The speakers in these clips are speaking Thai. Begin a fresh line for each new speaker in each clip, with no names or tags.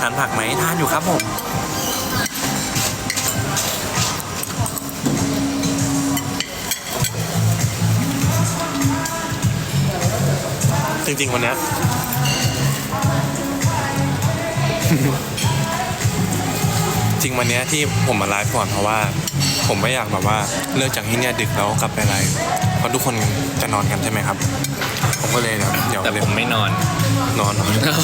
านผักไหมทานอยู่ครับผมจริงๆวันนี้ จริงวันนี้ที่ผมมาไลฟ์ก่อนเพราะว่าผมไม่อยากแบบว่าเลิกจากที่เนี่ยดึกแล้วกลับไปไลฟ์เพราะทุกคนจะนอนกันใช่ไหมครับผมก็เลยเดี๋ยว
แต่ผมไม่นอน
นอน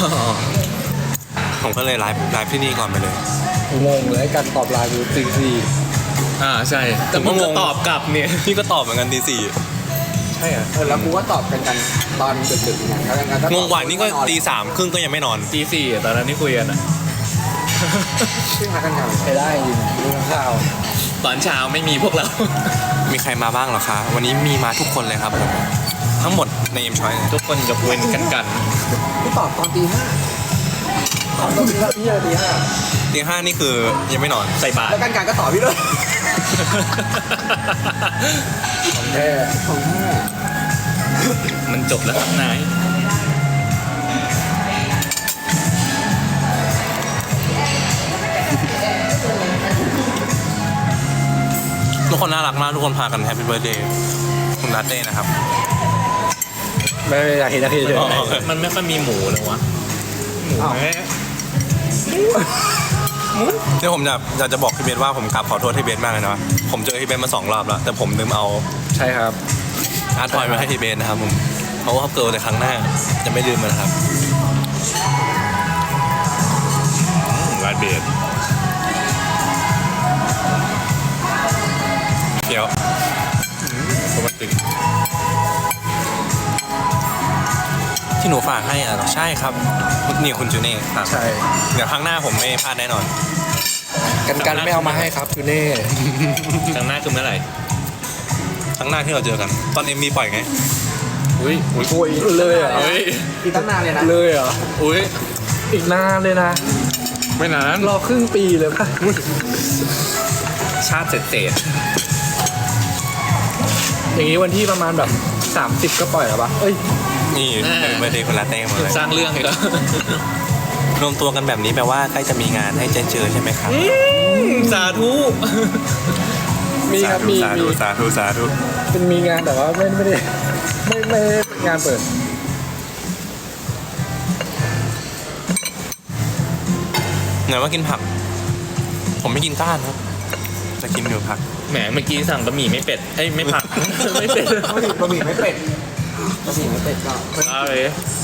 ผมก็เลยไลฟ์ที่นี่ก่อนไปเลย
งงเลยการตอบไลน์ดูตีสี่
ใช่แต่ผมก็ตอบกลับเนี่ย
พี่ก็ตอบเหมือนกันตีสี่
ใช่เหรอแล้วกูก็ตอบกันตอนดึกๆเนี่ยแล้วกัน
งงกว่านี่ก็ตีสามครึ่งก็ยังไม่นอน
ตีสี่ตอนนั้นที่คุยกันอะ
ซึ่งหากันอย่างใช้ได้จริงดูทั้งข่าว
ตอนเช้าไม่มีพวกเรา
มีใครมาบ้างเหรอคะวันนี้มีมาทุกคนเลยครับผมทั้งหมดในเอ็มชอย
ทุกคนยกเว้นกัน
กูตอบตอนตีห้าตอนตีห้าพี่เลยตีห้า
ตีห้านี่คือยังไม่นอน
ใส่บาตร
แล้วกันก็ตอบพี่เลยของแท้ของแท้
มันจบแล้วครับนาย
ทุกคนน่ารักมากทุกคนพากันแฮปปี้เบิร์ดเดย์คุณลาเต้นะครับ
ไม่อยากเห็นนะพี่เลย
มันไม่ค่อยมีหมูเลยวะหมูแม่
เดี๋ยวผมอยากจะบอกพี่เบนว่าผมกลับขอโทษพี่เบนมากเลยนะผมเจอพี่เบนมา2 รอบแล้วแต่ผมลืมเอา
ใช่ครับ
อาร์ตทอยมาให้พี่เบนนะครับผมเขาว่าเกิดในครั้งหน้าจะไม่ลืมมันนะครับ
ร้านเบียร์
เดี๋ยว
ปกติ
ที่หนูฝากให้อ่ะใช่ครับนี่คุณจูเน่ครับ
ใช่
เดี๋ยวครั้งหน้าผมไม่พลาดแน่นอน
กันไม่เอามาให้ครับจูเน่
ครั้งหน้าคือเมื่อไหร่
ครั้งหน้าที่เราเจอกันตอนเอ็มมีปล่อยไง
อุ้ย
โอ้ยเลยเหรอ
อุ้ย
อีกตั้งนานเลยนะเลยเหรอ
อุ้ย
อีกนานเลยนะ
ไม่นาน
รอครึ่งปีเลยป่ะ
ชาติเศษ
อย่างนี้วันที่ประมาณแบบ30ก็ปล่อยแล้วป่ะเอ้ย
นี่เป็นเบอร์เดย์คุณลาเต้มาเลย
สร้างเรื่องอีกแล้ว
รวมตัวกันแบบนี้แปลว่าใกล้จะมีงานให้เจอใช่ไหมครับ
สาธุ
มีครับมี
สาธุสาธุสาธุ
เป็นมีงานแต่ว่าไม่ได้ไม่งานเปิด
ไหนว่ากินผัก ผมไม่กินก้านครับจะกินอยู่ผัก
แหมเมื่อกี้สั่งบะหมี่ไม่เป็ดเอ้ยไม่ผัก ไม่เป็ด
บะหมี่ไม่เป็ดบะหมี่ไม่เป็ดก็
เอาเลย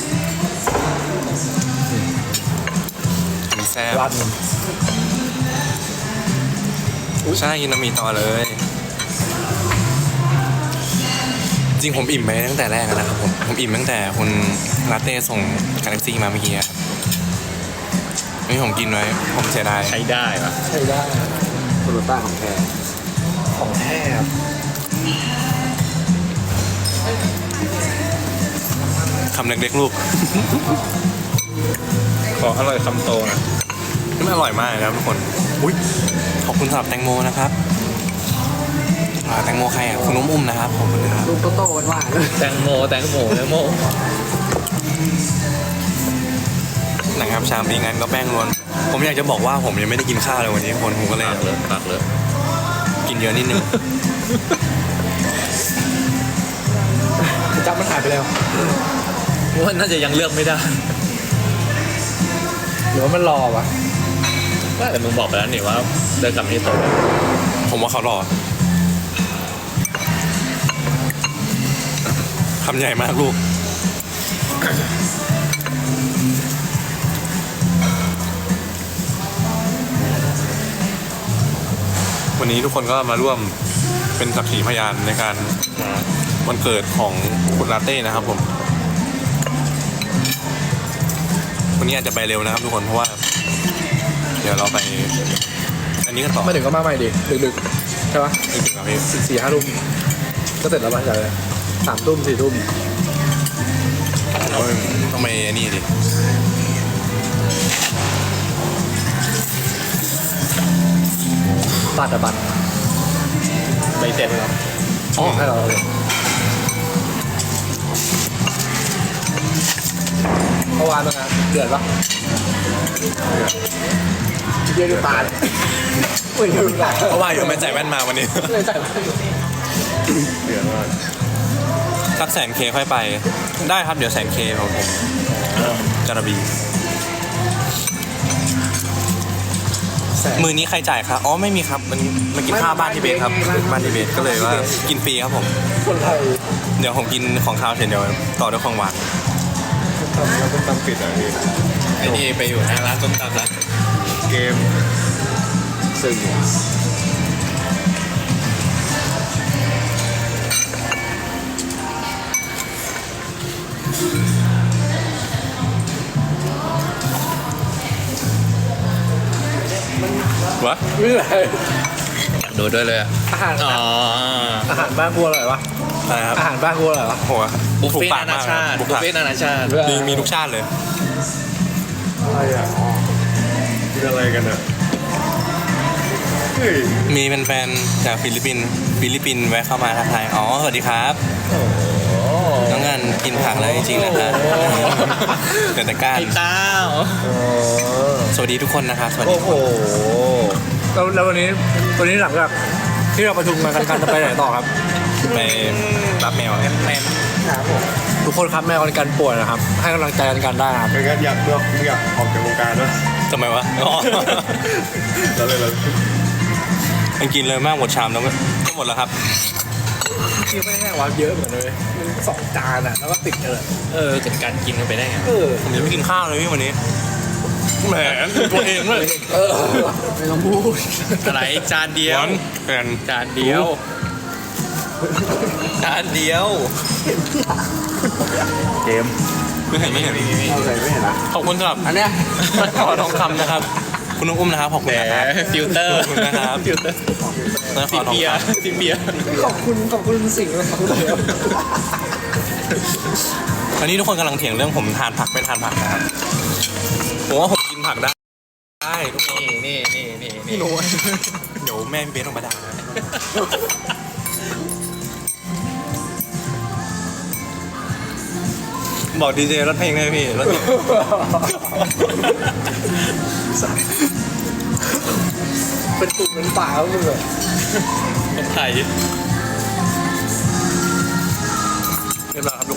มีแซ่บ
รัน
ใช่กินน้ำมีต่อเลย จริงผมอิ่มไปตั้งแต่แรกแล้วนะครับผมอิ่มตั้งแต่คุณลาเต้ส่งกาแล็กซี่มาเมื่อกี้ครับนี่ผมกินไว้ผมเสียดาย
ใช้ได้ปะ
ใช่ได้โตโยต้าของแท้ของแท้ครับ
คำเล็กๆลูก
ขออร่อยคำโตนะ
นี่มันอร่อยมากนะครับทุกคนอุ้ยขอบคุณสำหรับแตงโมนะครับแตงโมใครอ่ะคุณอุ้มนะครับขอบคุณนะครับ
ลูกโตๆหวานๆ
แตงโม
นะครับชามปีงั้นก็แป้งล้วนผมอยากจะบอกว่าผมยังไม่ได้กินข้าวเลยวันนี้คนผมก็เลย
ปากเลยปากเลย
กินเยอะนิดนึง
จับมันหายไปแล้ว
ว่าน่าจะยังเลือกไม่ได้
หรือว่ามันรอวะ
แต่มึงบอกไปแล้วนี่ว่าเดินกลับที่โต๊ะ
ผมว่าเขาหล่อคำใหญ่มากลูก วันนี้ทุกคนก็มาร่วมเป็นสักขีพยานในการวันเกิดของคุณลาเต้นะครับผมวันนี้อาจจะไปเร็วนะครับทุกคนเพราะว่า เดี๋ยวเราไป อันนี้กันต่อ
ไม่ถึงก็มาใหม่ดิดึกๆใช่ปะ
ไม่ถึงครับพี่
4-5 ทุ่มก็เสร็จแล้วป่ะใช่3 ทุ่ม 4 ทุ่ม
ต้องไปอันนี้ดิ
บัตรอะบัตร
ใบเสร็จแล้ว
อ๋อให้เราเลยเมื่อวานเป็นไงเดือดปะเดือดดูตาเฮ้ยดูตา
เพราะว่าอยู่ไม่ใส่แว่นมาวันนี้
เลยใส่
เดือดมาก
สักแสนเคค่อยไปได้ครับเดี๋ยวแสนเคของผมจระบีมือนี้ใครจ่ายครับอ๋อไม่มีครับมันมากินข้าวบ้านที่เบสครับบ้านที่เบสก็เลยว่ากินฟรีครับผม
คนไทย
เดี๋ยวผมกินของข้าวเสร็จเดี๋ยวต่อด้วยของหวาน
ทำแล้วต้องตำปิดอ่ะพี่
ไอ้นี่ไปอยู่หน้าร้านส้มตำแล้ว
เกมซึ่ง
วะ
ไม่เป็นไร
ดูด้วยเลยอ่ะ
อาหาร
อ๋อ
อาหารบ้านกูอร่อยวะ
อะไรครับ
อาหารบ้านกูอร่อยวะ
โห
บุฟ
ถูก
เฟ่
ปาก
นาม
าก
ชาติ
บุ
บุ
ฟ
ฟ
เฟ่
เฟ่นานาชาติ
มีทุกชาติเลย
อะไรอ่ะ
กินอะไรกันอ่ะเฮ้ย
มีแฟนๆจากฟิลิปปินส์แวะเข้ามาทักทายอ๋อสวัสดีครับ
โอ้โห
น้องงานกินผักแล้วจริงๆนะครับเกิดแต่ก้าน
ไอ้ต้าว
สวัสดีทุกคนนะครับสวัสดี
โอ้โห
แล้ววันนี้หลังจากที่เราประชุมกันจะไปไหนต่อครับ
ไปรับแมวครับ
แมน
ทุกคนครับแม่กันป่วยนะครับ ให้กำลังใจกันได้ครับ
เป็นไงอยากออกจากวงการนะ
ทำไมวะอ๋อ
แล้วเลย
มันกินเลยมากหมดชามแล้วก็หมดแล้วครับ
ที่ไม่แห้งว่าเยอะเหมือนเลยสองจานอ่ะแล้วก็ติดเลย
จัดการกินกันไปได้ไง
ผมยังไม่กินข้าวเลยพี่วันนี้แหมตัวเองเลย
ไม่ต้องพูด
อะไรจานเดียว
แฟน
จานเดียวจานเดียวเกม
ไม่เห็น
เอาใส่ไม่เห็นละ
ขอบคุณสำหรับ
อันเนี้ย
ขอทองคำนะครับ คุณน้องอุ้มนะครับขอบคุณนะครับ
ฟิลเตอร์
ขอบคุณนะครับ
ฟิลเตอร์
แล้วข
ซิ
อทอง
เบีย
คำ
ซิเบีย
ขอบคุณสิ่งนะครับ
อันนี้ทุกคนกำลังเถียงเรื่องผมทานผักไม่ทานผักนะครับผมว่าผมกินผักได้ทุกคน
นี่
พี่หนู
เดี๋ยวแม่พี่เบสออกมาด่าบอกดีเจรถเพลงได้พี่รถเพลง
เป็นตุ่มเป็นป่าแล้วมึงเลย
คนไทย
เรียบร้อยครับทุกคน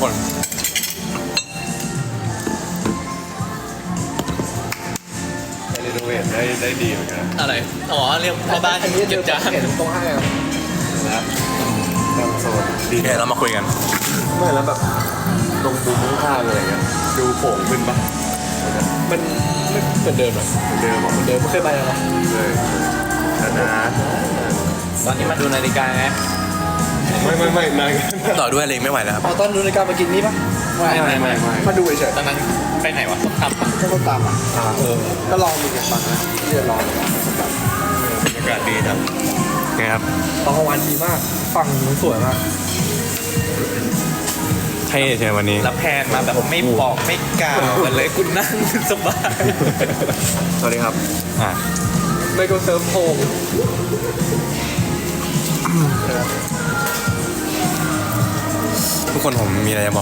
รีโนเวทได้ดีเหมือนกันอะไรอ๋อเรียกพ่อบ้าน
อันนี้
เก็บจาน
เห็นตรงให้ครับ
นะตามโซน
โอเคเรามาคุยกัน
ไม่แล้วแบบตรงมุมข้างๆอะไรเงี้ยดูโป่งขึ้นปะ
มันไม่เหมือนเดิมหรอ
เดิมบอก
เหมือนเดิมไม่เคยไปหรอ
เลยนานตอนนี้มาดูนาฬิกาไงไม่นาน
ต่อด้วยเลยไม่ไหวแล้วครับ
เอาตอนดูรายการมากินนี่ปะไม่มาดูเฉย
ตอนนั้นไปไหนวะส้มตำปะ
ๆก็ตามอ่ะก็ลองดูกันบ้างนะที่จะลอง
บรรยากาศดีครับ
ไงครับ
ตอนกลางวันดีมากฝั่งมันสวยมาก
เท่ใช่วันนี้
แล้วแพนมาแบบไม่บอกไม่กล่าวกันเลยคุณนั่งสบาย
สวัสดีครับอ่า
ไม่ก็เซิร์ฟโฮม
ทุกคนผมมีอะไรจะบอก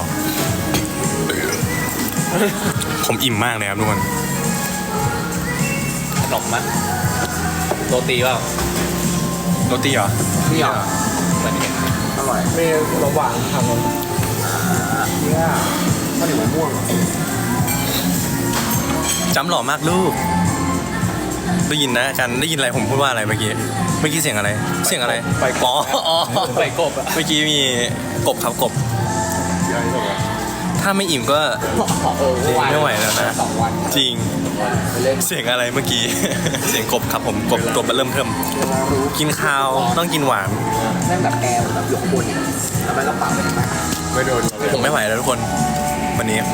ผมอิ่มมากเลยครับทุกคน
ขนมมั้ยโรตีเปล่า
โรตีเหรอ
นี่อ่ะ
เหมือนเห็น
อร่อยมีขนมหวานทางนั้นเนี่ยข้าวเหนียวมะม่วง
จำหล่อมากลูก ได้ยินนะอาจารย์ได้ยินอะไรผมพูดว่าอะไรเมื่อกี้เสียงอะไร เสียงอะไรไปอ๋อ
ไปกบอ่ะ
เมื่อกี้มีกบครับกบ
ใหญ่สุดอ่ะ
ถ้าไม่อิ่มก็ไม่ไหวแล้วนะ
2 วัน
จริง
ไปเล่น
เสียงอะไรเมื่อกี้ เสียงกบครับผมกบตัวเริ่มเทิม
เวลารู้
กินข้าวต้องกินหวาน
แม่งแบบแอร์แบบอยู่ข้างบนเนี่ยแล้วมันก็ปรับไปข้างหน้า
ไม่โดนเราเลย
ผมไม่ไหวแล้วทุกคน วันนี้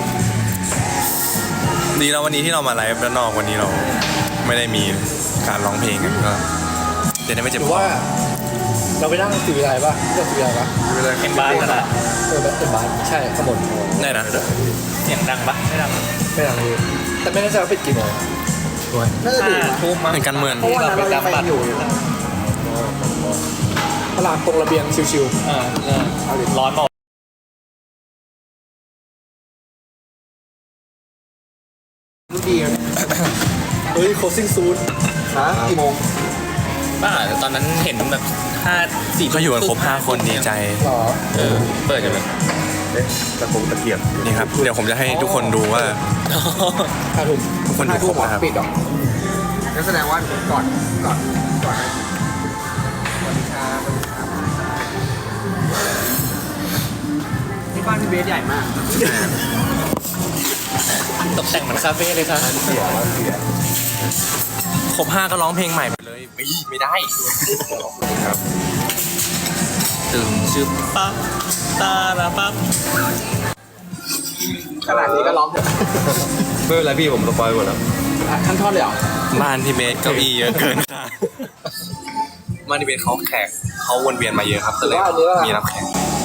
ดีแล้ววันนี้ที่เรามาไลฟ์ด้านนอกวันนี้เราไม่ได้มีการร้องเพลงกันก็จะได้ไม่เจ็บ
หรื
ค
อ
อ
ว่าเราไปนั่งสีอะไรป่ะเลือกสีอะไรป่ะ
เวลาเอ็มบ้านกันอ่ะ
แบบเป็นบ้านใช่ขางบวน
ได้นะ
เสียงดังปะไม่ดัง
ไม่ดังเลยแต่ไม่แน่ใจว่าปิดกี่โมงด้วยน่าจะดึกนะ
ทุ่มมั้ง
เป็นการเมือง
เพราะว่าเรายังไปอยู่ตลาดตรงระเบียงชิว
ร้อนเปล่า
ฮ้ย closing soon ฮะกี่โมง
บ้าแต่ตอนนั้นเห็นแบบ4
ก็อยู่กันครบ5 คนดีใจ
หรอ
เปิดกันเลย
ตะโกงตะเกียบ
นี่ครับ เดี๋ยวผมจะให้ทุกคนดูว่า
5 ทุ่ม
ทุกคนดูครบนะครับ
ปิดหรองั้นแสดงว่าก่อนสวัสดีครับที่บ้านพี่เบสใหญ่มาก
ตกแต่งเหมือนคาเฟ่เลยครับ
เสีย
ครบ5ก็ร้องเพลงใหม่ไปเลยไม่ได้
ตื่นชื่อปั๊บตาลาปั๊บ
ขนาดนี้ก็ร้องเถอะ
ไม่เป็นไรพี่ผมสปอยหมดแล้ว
ทั้งท่อนเลยเหรอ
บ้านพี่เบสเก้าอี้เยอะเกินค่ะบ้านพี่เบสเขาแขกเขาวนเวียนมาเยอะครับก็เลยมีรับแขก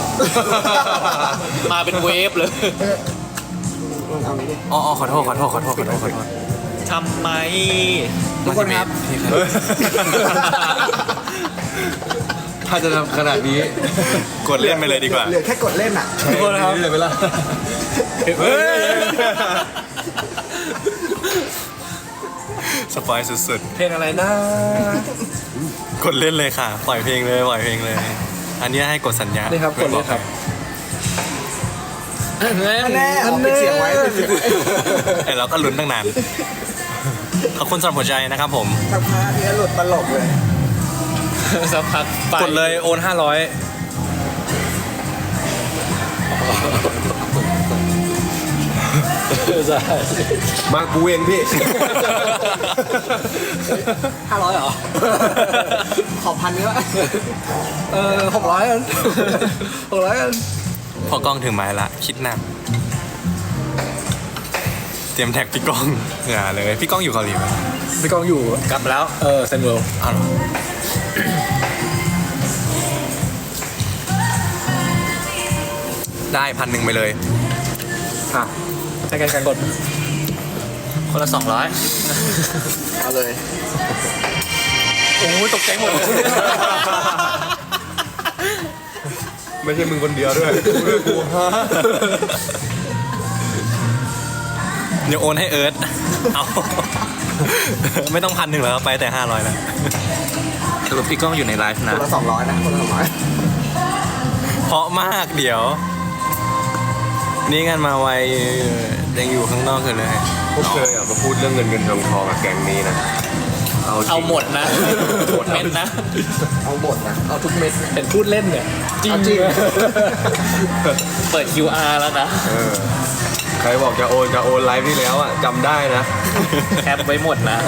มาเป็นเวฟเลย
อ๋อขอโทษ
ทำไม
ทุกคนครับ
ถ้าจะทำขนาดนี้
กดเล่นไปเลยดีกว่า
เหลือแค่กดเล่นอ่ะ
ทุกคนครับเลยไหมล่ะ
สปอยสุด
เพลงอะไรนะ
ๆกดเล่นเลยค่ะปล่อยเพลงเลย อันนี้ให้กดสัญญา
นี่ครับกดเลยครับ
แน่
แน่เอาปิดเสียงไว้ปิดเสียงไว้
ไอเราก็ลุ้นตั้งนานขอบคุณสำหรับหัวใจนะครับผม
สักพักเนี้ยหลุดตลกเลย
สักพักไป
กดเลยโอน500
ใช่
มากูเองพี่
500เหรอ ขอพันนี้วะ600กัน600กัน
พอกล้องถึงไม้ละคิดหนัก เตรียมแท็กพี่ก้องอย่าเลยพี่ก้องอยู่เกาหลีไหม
พี่กองอยู่
กลับแล้ว
เซนเวิลด์
อ้าวเหรอได้1,000ไปเลย
ค่ะให้กันกด
คนละ200
เอาเลย
โอ้ยตกใจหมดเลย
ไม่ใช่มึงคนเดียวด้วยกูด้วยกูฮะ
เดี๋ยวโอนให้เอิร์ธเอา ไม่ต้อง1,000แล้วไปแต่500แล้ว
สรุปพี่ก้องอยู่ในไลฟ์
ค
นะ
นละ200นะคนละ200
เพราะมากเดี๋ยว นี่กันมาไวยังอยู่ข้างนอกกันเลย
พวกเธออย่ามาพูดเรื่องเงินทองกับแก๊งนี้นะจริง
เอาหมดนะหมดเม็ดนะ
เอาหมดนะ เอาทุกเม็ด
เห็นพูดเล่นเนี่ยจริง
เอาจริง
เปิด QR แล้วนะ
ใครบอกจะโอนไลฟ์ที่แล้วอ่ะจำได้นะ
แคปไว้หมดนะ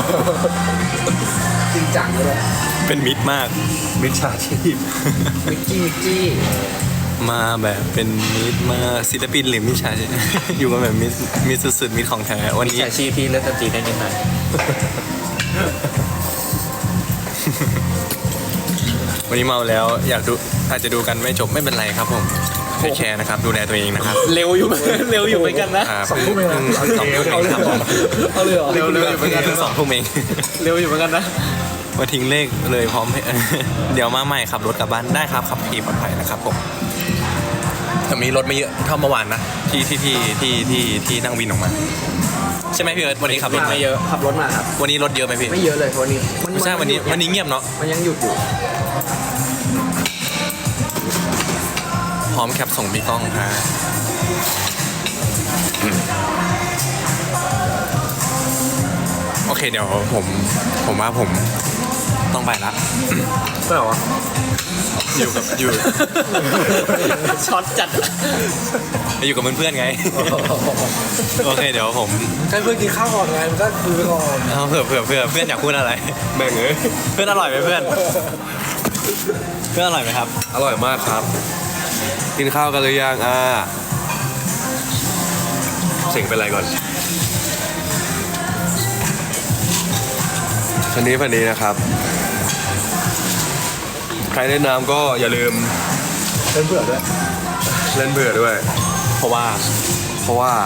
จริงจังเลย
เป็นมิตรมาก
มิจฉาชีพ
มิกจี้
มาแบบเป็นมิตรมากศิลปินหรือมิจฉาชีพ อยู่กันแบบมิตรสุดๆมิตรของแท้วัน
มิจ
นี้
ฉาชีพพี่เล่นดนตรีได้นิดหน่อย
วันนี้เมาแล้วอยากดูอาจจะดูกันไม่จบไม่เป็นไรครับผมเทคแคร์นะครับดูแลตัวเองนะครับ
เร็วอยู่ เร็วอยู่เหมือนกันนะ
เพิ่ง2 ทุ่มเองครับผม
เอาเลยเหรอ
เร็วอยู่เหมือนกัน
เพิ่ง2 ทุ่มเอง
เร็วอยู่เหมือนกันนะ
มาทิ้งเลขเลยพร้อมให้ เดี๋ยวมาใหม่ขับรถกลับบ้านได้ครับขับขี่ปลอดภัยนะครับผมแต่มีรถไม่เยอะเท่าเมื่อวานนะที่นั่งวินออกมาใช่ไหมพี่เอิร์ธวันนี้ขับรถ
ไม่เยอะ
ขับรถมาครับ
วันนี้รถเยอะไหมพี่
ไม่เยอะเลยวันนี้
ไม่ใช่วันนี้เงียบเนาะ
มันยังหยุดอยู่
พร้อมแคปส่งพี่ก้องครับโอเคเดี๋ยวผมว่าผมต้องไปละ
ไม่หรอ
อยู่กับ
ช็อตจัด
อยู่กับเพื่อนๆไง โอเคเดี๋ยวผม
กันเพื่อนกินข้าวก่อนไงมันก็คุยไปก่อน
เอาเผื่อเพื่อนอยากพูดอะไร
แม่งเอ้ย
เพื่อนอร่อยไหมเพื่อนอร่อยไหมครับ
อร่อยมากครับ กินข้าวกันหรือยังเสียงเป็นไรก่อนพันนี้นะครับ ใครเล่นน้ำก็อย่าลืม
เป็นเผื่อด้วย
เล่นเบื่อด้วย
เพราะว่า
เพราะว่า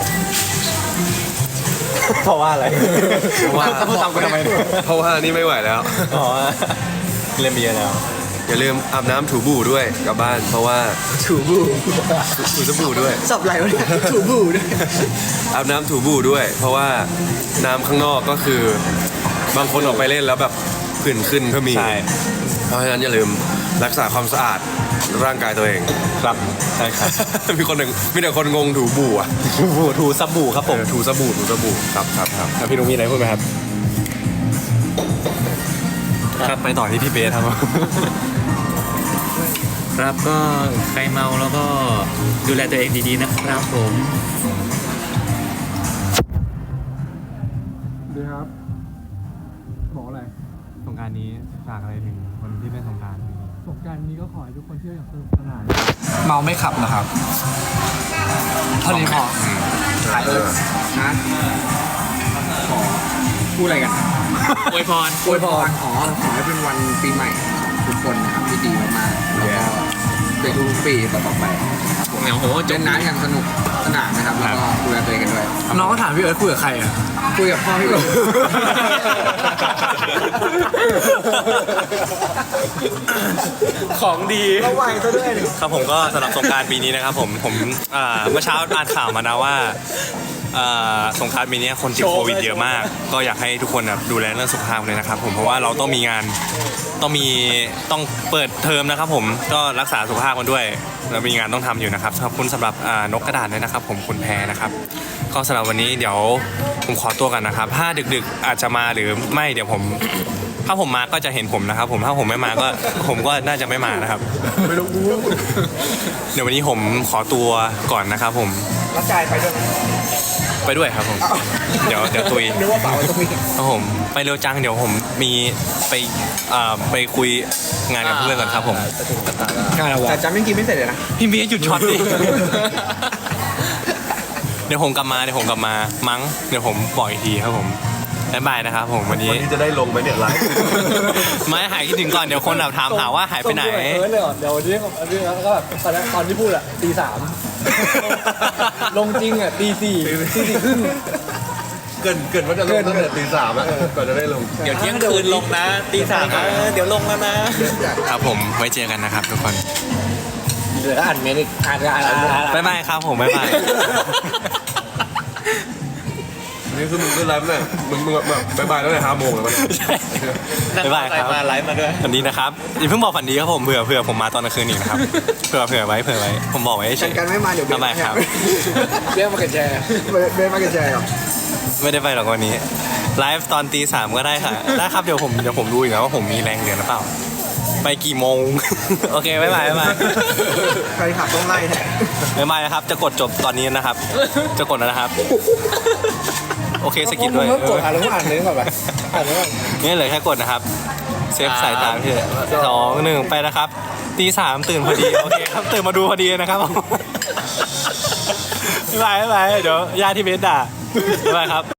อะไรเพราะว่าพูดตามกูทำไม
เพราะว่านี่ไม่ไหวแล้ว
อ๋อเล่นไปเยอะแล้ว
อย่าลืมอาบน้ำถูบู่ด้วยกลับบ้าน เพราะว่า
ถูบู
ถูสบู่ด้วย
สับไหลวะเนี่ยถูบูด้วย
อาบน้ำถูบู่ด้วย เพราะว่าน้ำข้างนอกก็คือบางคนออกไปเล่นแล้วแบบผื่นขึ้นก็มี
ใช่
เพราะฉะนั้นอย่าลืมรักษาความสะอาดร่างกายตัวเอง
ครับใช่ครับ
มีคนหนึ่งมีแต่คนงงถูบู่อ่ะ
ถูสบู่ครับผม
ถูสบู่ครับครับ
แล้วพี่นุ้งมีอะไรพูดไหมครับครับไปต่อที่พี่เบสครับ
ครับก็ใครเมาแล้วก็ดูแลตัวเองดีๆนะครับผม
ดีครับบอกอะไร
สงกรารนี้ฝากอะไรถึงคนที่เล่นสงกราร
สงกรารนี้ก็ขอให้ทุกคนเที่ยวอย่างสนุกสนาน
เมาไม่ขับนะครับเท่านี้พอขายเลยนะขอพูดอะไรกัน
อวยพร
อวยพรขอให้เป็นวันปีใหม่ของทุกคนนะครับที่ดีมากๆแล้วก็เป็นทุกปีต่อๆไป
โอ้โหจ
เล่
บ
นน้ำอย่างสนุกสนานนะครับแล้วก็ดูแลตัวเองกันด้วยน้องก็ถามพี่เอิร์ธคุยกับใครอ่ะคุยกับพ่อพี่เอิร์ธ
ของดี
ระวังซะด้วยดิ
ครับผมก็สำหรับสงกรารปีนี้นะครับผมเมื่อเช้าอ่านข่าวมานะว่าสงกรารปีนี้คนติดโควิดเยอะมาก ก็อยากให้ทุกคนแบบดูแลเรื่องสุขภาพเลยนะครับผมเพราะว่าเราต้องมีงานต้องเปิดเทอมนะครับผมก็รักษาสุขภาพกันด้วยเรามีงานต้องทำอยู่นะครับขอบคุณสำหรับนกกระดาษด้วยนะครับผมคุณแพรนะครับก็สำหรับวันนี้เดี๋ยวผมขอตัวกันนะครับถ้าดึกๆอาจจะมาหรือไม่เดี๋ยวผมถ้าผมมาก็จะเห็นผมนะครับผมถ้าผมไม่มาก็ผมก็น่าจะไม่มานะครับ
ไม่รู้
เดี๋ยววันนี้ผมขอตัวก่อนนะครับผม
รับจ่ายไปด้วย
ไปด้วยครับผม เดี๋ยวตุย
นึกว่าเปล่าตรงนี้
ครับผมไปเร็วจังเดี๋ยวผมมีไปคุยงานกับเพื่อนก่อนครับผม
งานอะไรวะแต่จำยังกินไม่เสร็จเลยนะ
พี่เมียหยุดช็อตดิ เดี๋ยวผมกลับมามั้งเดี๋ยวผมบอกอีกทีครับผมบ๊ายบายนะครับผมวันนี้
วันนี้จะได้ลงไหมเนี่ยไลฟ์
ไม่หายคิดถึงก่อนเดี๋ยวคนแบบถามหาว่าหายไปไหน
เออเลยเหรอเดี๋ยววันนี้แล้วก็แบบตอนที่พูดอ่ะตี 3ลงจริงอ่ะตี 4 ครึ่ง
เกินว่าจะลงตั้งแต่ตี 3อ่ะก่อนจะได้ลง
เดี๋ยวเที่ยงคืนลงนะตีสามเดี๋ยวลงแล้วนะ
ครับผมไว้เจอกันนะครับทุกคน
เหลืออ่านเมนิกอ่าน
บ๊ายบายครับผมบ๊ายบาย
นี่คือมึงก็ไลฟ์เนี่ยมึงแบบบายตั้งแต่5 โมงแล้วมัน
บ๊ายบายครับ
มาไลฟ์มาด้วย
ฝันดีนะครับอย่าเพิ่งบอกฝันดีครับผมเผื่อผมมาตอนกลางคืนอีกนะครับเผื่อไว้ผมบอกไว้เฉย
กันไม่มาเดี๋ยว
บ๊ายบายครับ
เรียกมาเก็ตแชร์เรียกมาเก็ตแชร์หรอ
ไม่ได้ไปหรอกวันนี้ไลฟ์ตอนตี 3ก็ได้ค่ะได้ครับเดี๋ยวผมดูอีกแล้วว่าผมมีแรงเหลือหรือเปล่าไปกี่โมง โอเคบ๊ายบาย
ใครขับต้องไล่แท้
บ๊ายบายนะครับจะกดจบตอนนี้นะครับ จะกดแล้วนะครับโอเคสกิปด้วย
มึงกดอ่านแล้วอ่านเลยก่อนไปอ่านเลยก่อน
นี่เหลือแค่กดนะครับเซฟสายตาพี่2 1ไปนะครับตี 3ตื่นพอดีโอเคครับตื่นมาดูพอดีนะครับบ๊ายบายเดี๋ยวญาติที่เบสด่าบ๊ายบายครับ